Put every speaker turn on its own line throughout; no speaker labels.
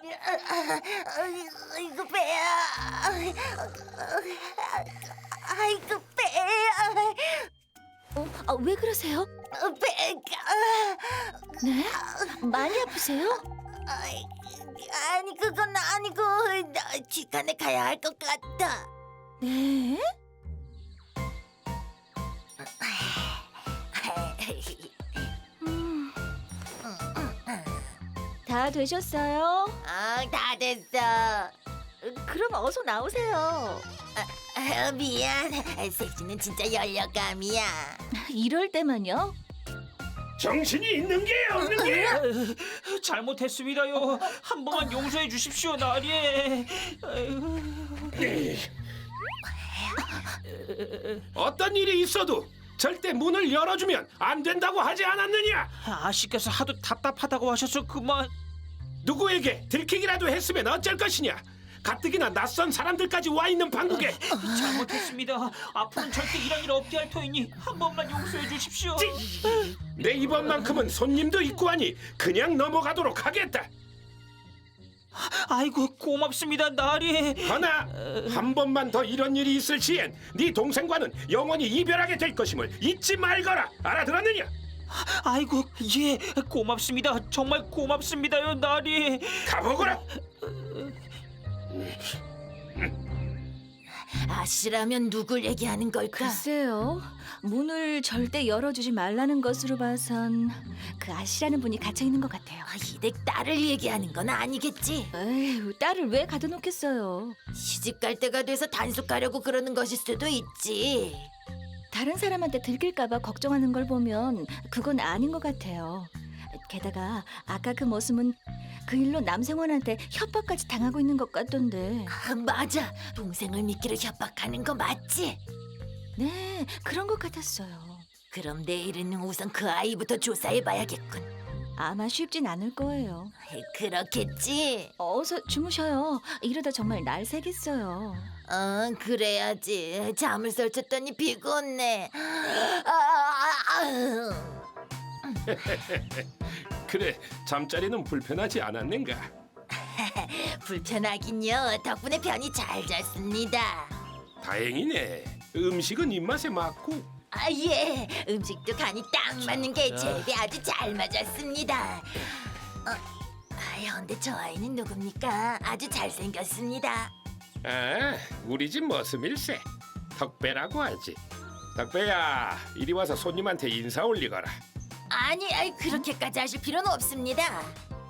아이고 배야. 아이고 배야.
왜 그러세요?
배가.
네? 많이 아프세요?
아니 그건 아니고 나 치과에 가야 할 것 같다.
네? 음. 다 되셨어요?
다 됐어.
그럼 어서 나오세요.
미안. 섹시는 진짜 열려감이야.
이럴 때만요?
정신이 있는 게 없는 게
잘못했습니다요. 한 번만 용서해 주십시오, 나리.
어떤 일이 있어도 절대 문을 열어주면 안 된다고 하지 않았느냐?
아씨께서 하도 답답하다고 하셔서 그만.
누구에게 들키기라도 했으면 어쩔 것이냐? 가뜩이나 낯선 사람들까지 와 있는 방국에
잘못했습니다. 앞으로는 절대 이런 일 없게 할 터이니 한 번만 용서해 주십시오.
내 이번만큼은 손님도 있고 하니 그냥 넘어가도록 하겠다.
아이고 고맙습니다, 나리.
허나 한 번만 더 이런 일이 있을 시엔 네 동생과는 영원히 이별하게 될 것임을 잊지 말거라. 알아들었느냐?
아이고 예, 고맙습니다. 정말 고맙습니다요, 나리.
가보거라.
아씨라면 누굴 얘기하는 걸까?
글쎄요. 문을 절대 열어주지 말라는 것으로 봐선 그 아씨라는 분이 갇혀 있는 것 같아요.
이댁 딸을 얘기하는 건 아니겠지?
에휴, 딸을 왜 가둬놓겠어요?
시집 갈 때가 돼서 단속 가려고 그러는 것일 수도 있지.
다른 사람한테 들킬까봐 걱정하는 걸 보면 그건 아닌 것 같아요. 게다가 아까 그 모습은 그 일로 남생원한테 협박까지 당하고 있는 것 같던데.
맞아. 동생을 믿기를 협박하는 거 맞지?
네, 그런 것 같았어요.
그럼 내일은 우선 그 아이부터 조사해봐야겠군.
아마 쉽진 않을 거예요.
그렇겠지?
어서 주무셔요. 이러다 정말 날 새겠어요.
그래야지. 잠을 설쳤더니 피곤해.
그래, 잠자리는 불편하지 않았는가?
불편하긴요. 덕분에 편히 잘 잤습니다.
다행이네. 음식은 입맛에 맞고.
예. 음식도 간이 딱 맞는 게 제비 아주 잘 맞았습니다. 근데 저 아이는 누굽니까? 아주 잘생겼습니다.
아, 우리 집 머슴일세. 덕배라고 하지. 덕배야, 이리 와서 손님한테 인사 올리거라.
아니, 그렇게까지 하실 필요는 없습니다.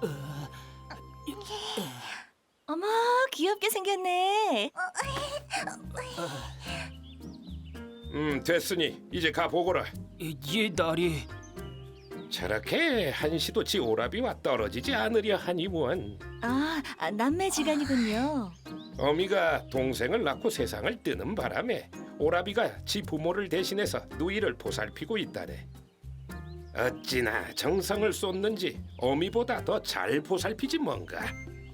어머, 귀엽게 생겼네.
됐으니 이제 가보거라.
예, 나리.
저렇게 한시도 지 오라비와 떨어지지 않으려 하니 원.
남매지간이군요.
어미가 동생을 낳고 세상을 뜨는 바람에 오라비가 지 부모를 대신해서 누이를 보살피고 있다네. 어찌나 정성을 쏟는지 어미보다 더 잘 보살피지 뭔가.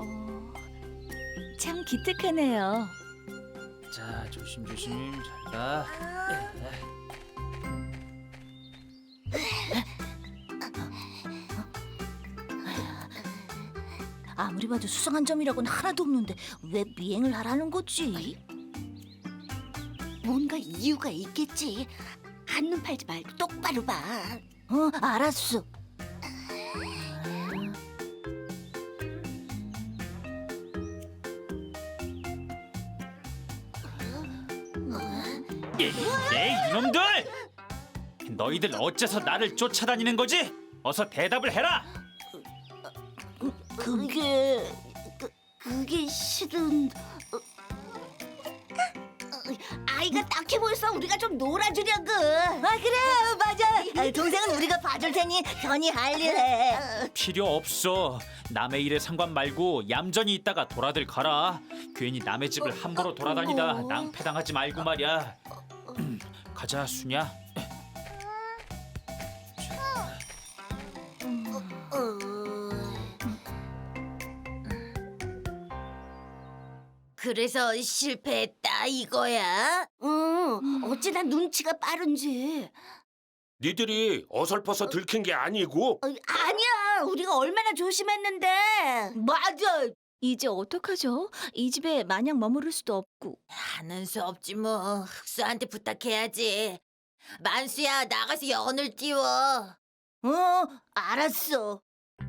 참 기특하네요.
자, 조심조심 잘 가.
아무리 봐도 수상한 점이라고는 하나도 없는데 왜 미행을 하라는 거지?
뭔가 이유가 있겠지. 한눈 팔지 말고 똑바로 봐.
알았어.
이놈들! 너희들 어째서 나를 쫓아다니는 거지? 어서 대답을 해라.
그게 실은 아이가 딱해 보여서 우리가 좀 놀아주려고.
그래, 맞아. 동생은 우리가 봐줄 테니 편히 할 일 해.
필요 없어. 남의 일에 상관 말고 얌전히 있다가 돌아들 가라. 괜히 남의 집을 함부로 돌아다니다 낭패당하지 말고 말이야. 가자, 수냐.
그래서 실패했다 이거야? 어찌나 눈치가 빠른지.
니들이 어설퍼서 들킨 게 아니고
아니야, 우리가 얼마나 조심했는데. 맞아.
이제 어떡하죠? 이 집에 마냥 머무를 수도 없고.
하는 수 없지 뭐. 흑수한테 부탁해야지. 만수야, 나가서 연을 띄워. 알았어.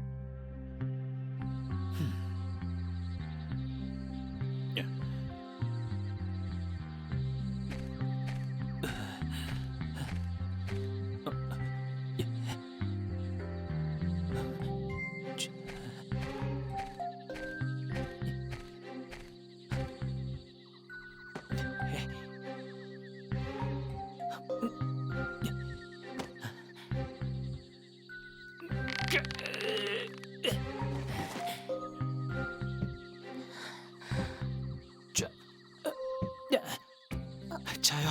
자요.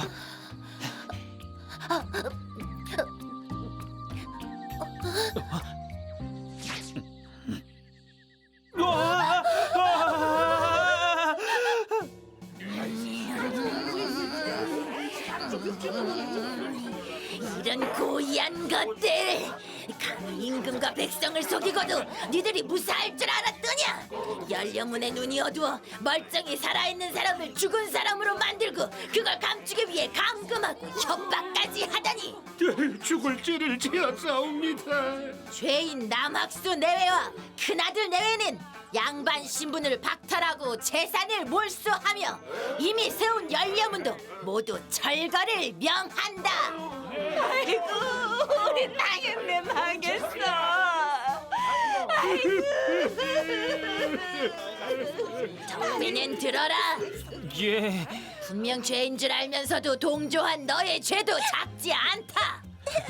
이런 고의한 것들! 감히 임금과 백성을 속이고도 니들이 무사할 줄 알았더냐? 연료문의 눈이 어두워 멀쩡히 살아있는 사람을 죽은 사람으로 만들고 그걸 감추기 위해 감금하고 협박까지 하다니!
죽을 죄를 지었사옵니다.
죄인 남학수 내외와 큰아들 내외는 양반 신분을 박탈하고 재산을 몰수하며 이미 세운 연료문도 모두 철거를 명한다. 아이고, 우리 망했네, 망했어. 정민은 들어라.
예.
분명 죄인 줄 알면서도 동조한 너의 죄도 작지 않다.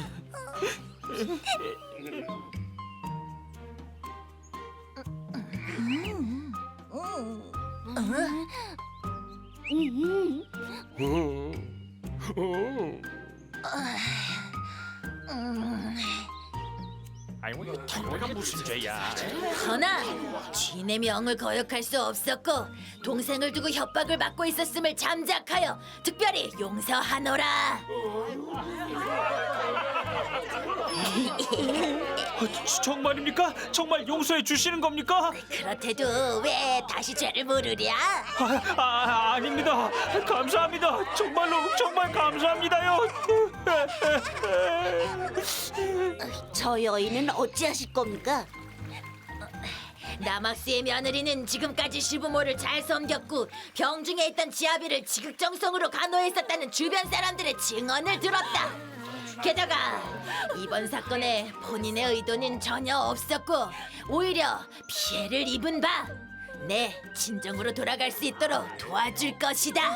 아이고 이거 무슨 죄야?
허나 주인의 명을 거역할 수 없었고 동생을 두고 협박을 받고 있었음을 잠작하여 특별히 용서하노라.
정말입니까? 정말 용서해 주시는 겁니까?
그렇대도 왜 다시 죄를 물으랴?
아닙니다. 감사합니다. 정말로 정말 감사합니다요.
저 여인은 어찌하실 겁니까? 남학수의 며느리는 지금까지 시부모를 잘 섬겼고 병중에 있던 지아비를 지극정성으로 간호했었다는 주변 사람들의 증언을 들었다. 게다가 이번 사건에 본인의 의도는 전혀 없었고 오히려 피해를 입은 바 내 진정으로 돌아갈 수 있도록 도와줄 것이다.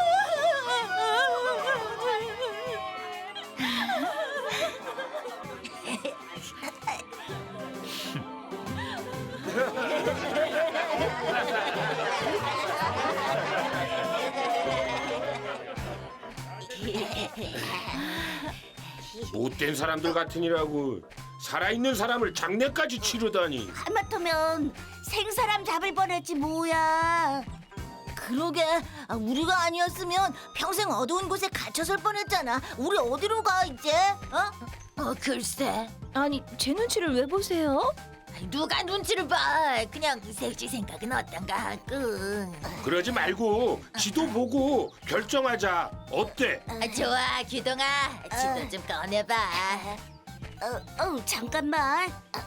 못된 사람들 같으니라고 살아있는 사람을 장례까지 치르다니.
하마터면 생사람 잡을 뻔했지 뭐야. 그러게, 우리가 아니었으면 평생 어두운 곳에 갇혔을 뻔했잖아. 우리 어디로 가 이제? 글쎄.
아니, 제 눈치를 왜 보세요?
누가 눈치를 봐. 그냥 셋이 생각은 어떤가 하고.
그러지 말고 지도 보고 결정하자. 어때?
좋아, 규동아. 지도 좀 꺼내봐. 잠깐만.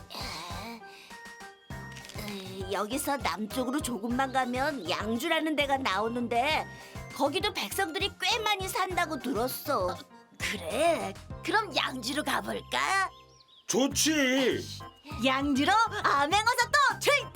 여기서 남쪽으로 조금만 가면 양주라는 데가 나오는데 거기도 백성들이 꽤 많이 산다고 들었어. 그래? 그럼 양주로 가볼까?
좋지.
양주로 암행어사 또 출동!